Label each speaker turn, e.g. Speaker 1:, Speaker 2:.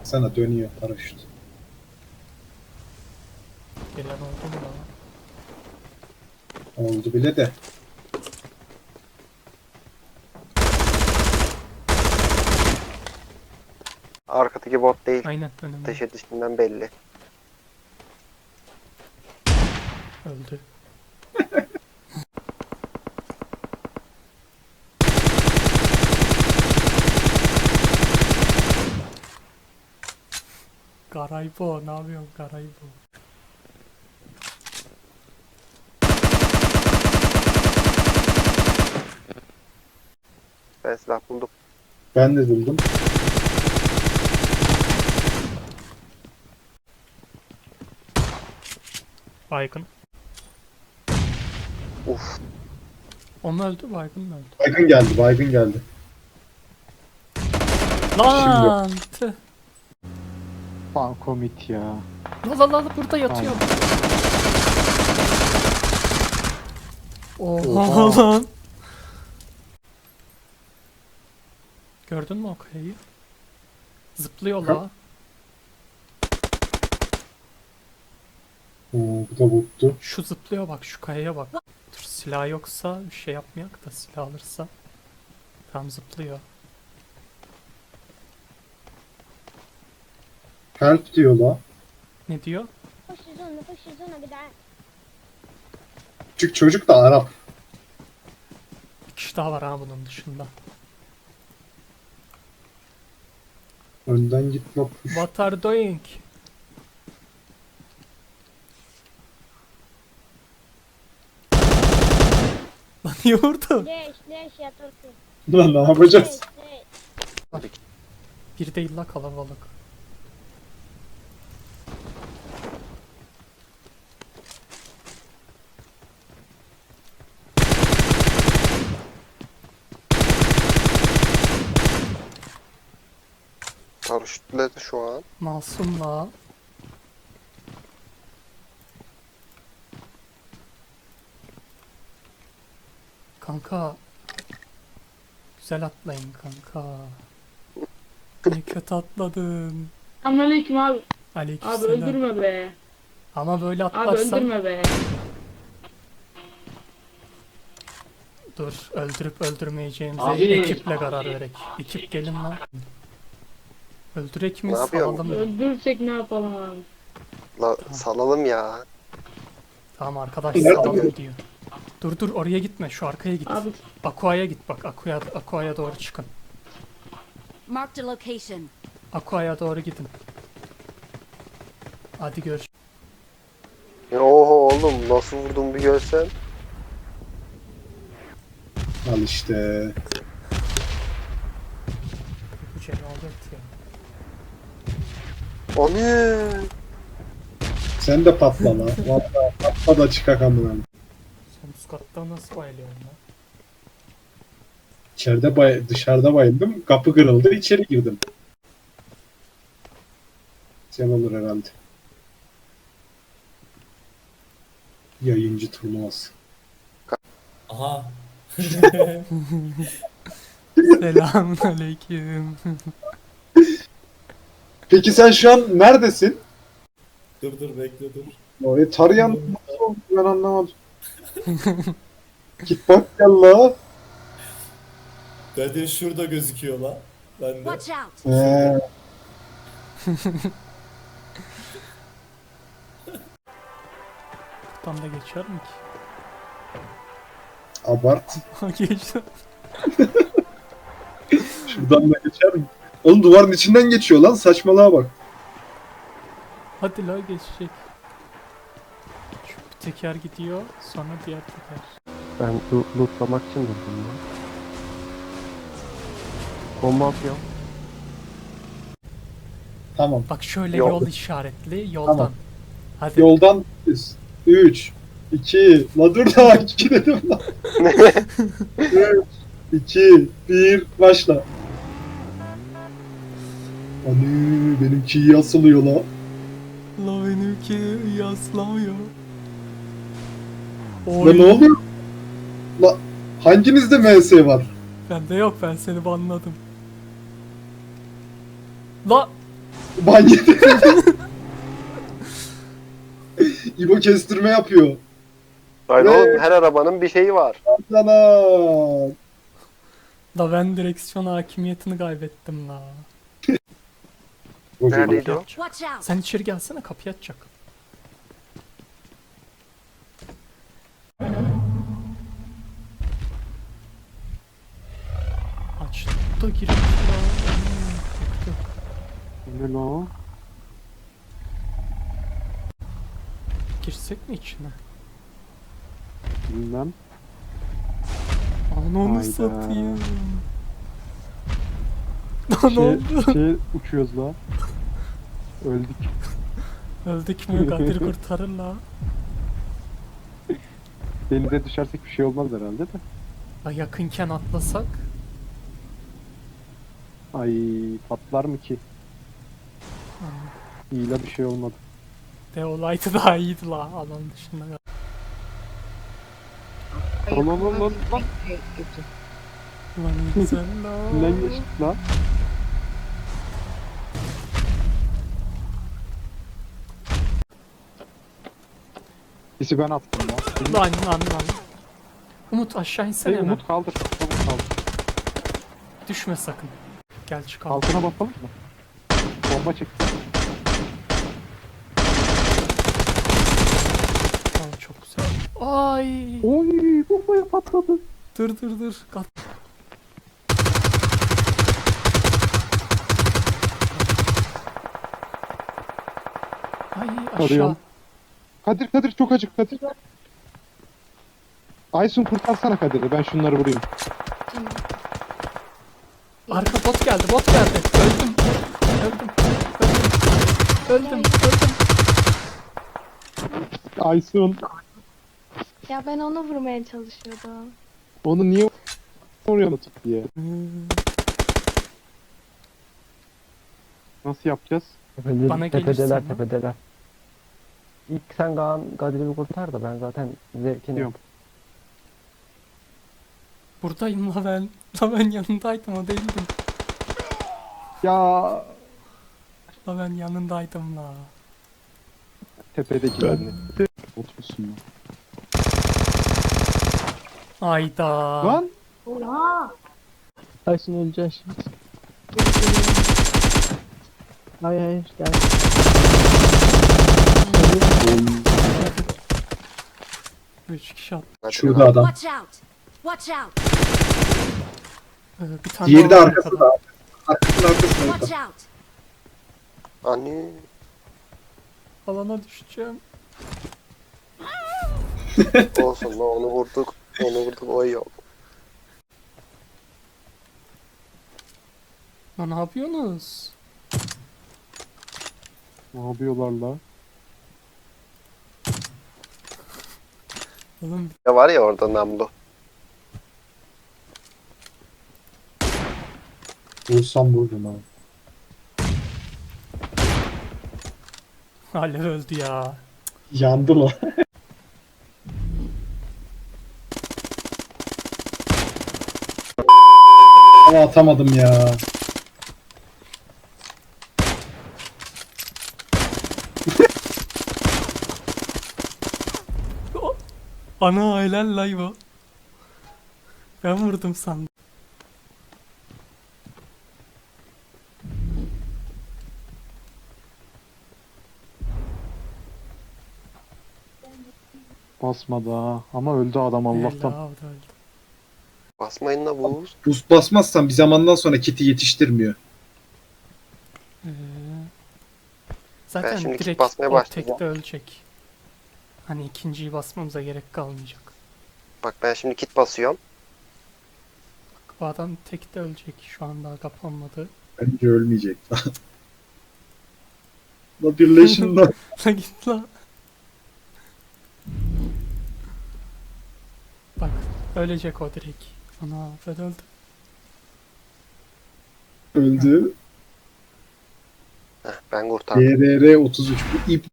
Speaker 1: Sana dönüyor paraşüt.
Speaker 2: Gelen oldu mu lan?
Speaker 1: Oldu bile de.
Speaker 3: Arkadaki bot değil.
Speaker 2: Aynen önümde.
Speaker 3: Ateş edişinden belli.
Speaker 2: Öldü. Garaybo, ne yapıyorsun Garaybo?
Speaker 3: Ben silah buldum.
Speaker 1: Ben de buldum.
Speaker 2: Baygın.
Speaker 3: Uf.
Speaker 2: O mu öldü, baygın mı öldü?
Speaker 1: Baygın geldi, baygın geldi.
Speaker 2: Lan! Tüh.
Speaker 4: Bankomit ya.
Speaker 2: La burada yatıyor. Oha lan. Gördün mü o kayayı? Zıplıyor la.
Speaker 1: Oo, bu da bottu.
Speaker 2: Şu zıplıyor bak, şu kayaya bak. Dur, silah yoksa bir şey yapmayak da silah alırsa. Tam zıplıyor.
Speaker 1: Help diyor la.
Speaker 2: Ne diyor?
Speaker 5: خش الزونة يا جدعان.
Speaker 1: Küçük çocuk da Arap.
Speaker 2: Bir kişi daha var ha bunun dışında.
Speaker 1: Önden git la push.
Speaker 2: What are doing? Lan niye vurdun?
Speaker 5: ليش يا تركي؟
Speaker 1: Lan ne yapacağız?
Speaker 5: ليش؟
Speaker 2: Bir değil la kalabalık.
Speaker 3: Paraşütledi şu an.
Speaker 2: Masum la. Kanka. Güzel atlayın kanka. Ne kötü atladın.
Speaker 6: Selamünaleyküm abi. Abi
Speaker 2: Aleykümselam.
Speaker 6: öldürme be.
Speaker 2: Ama böyle
Speaker 6: Abi
Speaker 2: atlarsan...
Speaker 6: öldürme be.
Speaker 2: Dur, öldürüp öldürmeyeceğimize
Speaker 6: Abi.
Speaker 2: ekiple karar verek. Ekip gelin lan. Öldürek mi
Speaker 3: Ne yapıyorsun?
Speaker 2: salalım mı?
Speaker 6: Öldürsek ne yapalım abi?
Speaker 3: La salalım ya.
Speaker 2: Tamam arkadaş
Speaker 1: Nerede?
Speaker 2: salalım diyor. Dur oraya gitme, şu arkaya git.
Speaker 6: Abi
Speaker 2: Aqua'ya git bak, Aqua'ya doğru çıkın.
Speaker 7: Marked a location.
Speaker 2: Aqua'ya doğru gidin. Hadi görüş.
Speaker 3: Oho oğlum nasıl vurdum bir görsen.
Speaker 1: Al işte.
Speaker 2: Bu cenabet ya.
Speaker 3: Onu.
Speaker 1: Sen de patla la. Valla patla da çıkak amına.
Speaker 2: Sen üst katta nasıl bayılıyorsun lan?
Speaker 1: İçeride dışarıda bayıldım. Kapı kırıldı. İçeri girdim. Sen olur herhalde. Yayıncı turnuvası.
Speaker 8: Aha.
Speaker 2: Selamun aleyküm.
Speaker 1: Peki sen şu an neredesin?
Speaker 8: Dur bekle dur.
Speaker 1: O tarayan nasıl oldu ben anlamadım. Git bak gel la.
Speaker 8: Zaten şurada gözüküyor lan. Ben de.
Speaker 7: Watch out.
Speaker 2: Buradan da geçer mi ki?
Speaker 1: Abart.
Speaker 2: Geçti.
Speaker 1: Şuradan da geçer mi? Oğlum duvarın içinden geçiyor lan. Saçmalığa bak.
Speaker 2: Hadi la geçecek. Şu bir teker gidiyor, sonra diğer teker.
Speaker 3: Ben lootlamak için durdum ya. Bomba atıyorum.
Speaker 1: Tamam.
Speaker 2: Bak şöyle
Speaker 3: Yol.
Speaker 2: yol işaretli, yoldan.
Speaker 1: Tamam.
Speaker 2: Hadi.
Speaker 1: Yoldan 3 2 la dur daha 2 dedim lan. 3 2 1 başla. Ani benimki iyi asılıyor la.
Speaker 2: La benimki yaslamıyor.
Speaker 1: La ne oluyor? La hanginizde MS var?
Speaker 2: Bende yok, ben seni banladım. La
Speaker 1: Ban yedi. İbo kestirme yapıyor.
Speaker 3: Hayır
Speaker 1: Evet.
Speaker 3: oğlum her arabanın bir şeyi var.
Speaker 1: Yalan.
Speaker 2: Da ben direksiyon hakimiyetini kaybettim la.
Speaker 3: Neredeydi o?
Speaker 7: Watch out!
Speaker 2: Sen içeri gelsene, kapıyı açacak. Açtı da girmiş ya. Yıktı.
Speaker 4: Ne lan o?
Speaker 2: Girsek mi içine?
Speaker 4: Bilmem.
Speaker 2: Ananı
Speaker 4: Hayda.
Speaker 2: satayım. Lan ne oldu?
Speaker 4: Uçuyoruz la. Öldük.
Speaker 2: Öldük mü? Kadir kurtarır la.
Speaker 4: Denize düşersek bir şey olmaz herhalde de.
Speaker 2: Ya yakınken atlasak.
Speaker 4: Ay patlar mı ki? İyi la bir şey olmadı.
Speaker 2: De olaydı daha iyiydi la. Alan dışında.
Speaker 4: Lan.
Speaker 2: Lan güzel la.
Speaker 4: Kimden geçtik la? Sisi ben attım la.
Speaker 2: Lan. Umut aşağı insene
Speaker 4: Hey
Speaker 2: hemen.
Speaker 4: Umut kaldır. Umut kaldır.
Speaker 2: Düşme sakın. Gel çıkalım.
Speaker 4: Altına basalım mı? Bomba çıktı.
Speaker 2: Tamam, çok güzel. Ay.
Speaker 4: Oy bombaya patladı.
Speaker 2: Dur. Kat. Ay aşağı.
Speaker 4: Arıyorum. Kadir çok acık Kadir. Aysun kurtarsana Kadir'i, ben şunları vurayım.
Speaker 2: Arka bot geldi. Öldüm.
Speaker 4: Aysun
Speaker 9: Ya ben onu vurmaya çalışıyordum.
Speaker 4: onu niye vuruyorsun tut diye. Nasıl yapacağız?
Speaker 2: Bana gelirsin.
Speaker 10: Tepedeler. İlk sen Kadir'i bir kurtar da ben zaten zevkini
Speaker 4: Diyorum.
Speaker 2: Buradayım la ben. La ben yanındaydım, o değildim.
Speaker 4: Ya
Speaker 2: La ben yanındaydım la.
Speaker 4: tepedekilerini. Otursun lan.
Speaker 2: Ayda.
Speaker 4: Lan
Speaker 10: Aysun öleceksin şimdi. Hayır gel.
Speaker 2: Üç kişi attı.
Speaker 1: Şurada adam.
Speaker 7: Watch out! Watch out!
Speaker 2: Bir tane
Speaker 1: Diğeri de
Speaker 2: daha var
Speaker 1: arkasında.
Speaker 2: arkada.
Speaker 1: Arkasında.
Speaker 7: Watch out!
Speaker 3: Anne.
Speaker 2: Alana düşeceğim.
Speaker 3: Olsun lan onu vurduk. O iyi oldu.
Speaker 2: Lan ne yapıyorsunuz?
Speaker 4: ne yapıyorlar la?
Speaker 2: Oğlum
Speaker 3: Ya var ya orada namlu.
Speaker 1: Vursam vurdum abi.
Speaker 2: hala öldü ya.
Speaker 1: Yandı lan. Ama atamadım ya.
Speaker 2: Ana helal la bu. Ben vurdum sandım.
Speaker 4: Basmadı ha. Ama öldü adam Allah'tan.
Speaker 2: Helal, o da öldü.
Speaker 3: Basmayın la buz.
Speaker 1: Boost basmazsan bir zamandan sonra kiti yetiştirmiyor.
Speaker 2: Ee, zaten
Speaker 3: şimdi kit
Speaker 2: direkt
Speaker 3: basmaya
Speaker 2: o
Speaker 3: başlayacağım.
Speaker 2: tekte ölecek. Hani ikinciyi basmamıza gerek kalmayacak.
Speaker 3: Bak ben şimdi kit basıyorum.
Speaker 2: O adam tekte ölecek. Şu an daha kapanmadı.
Speaker 1: Bence ölmeyecek. La birleşin lan.
Speaker 2: La git la. Bak ölecek o direkt. Ana ben öldüm.
Speaker 1: Öldü.
Speaker 3: Heh, ben kurtardım.
Speaker 1: DRR 33. Bu ip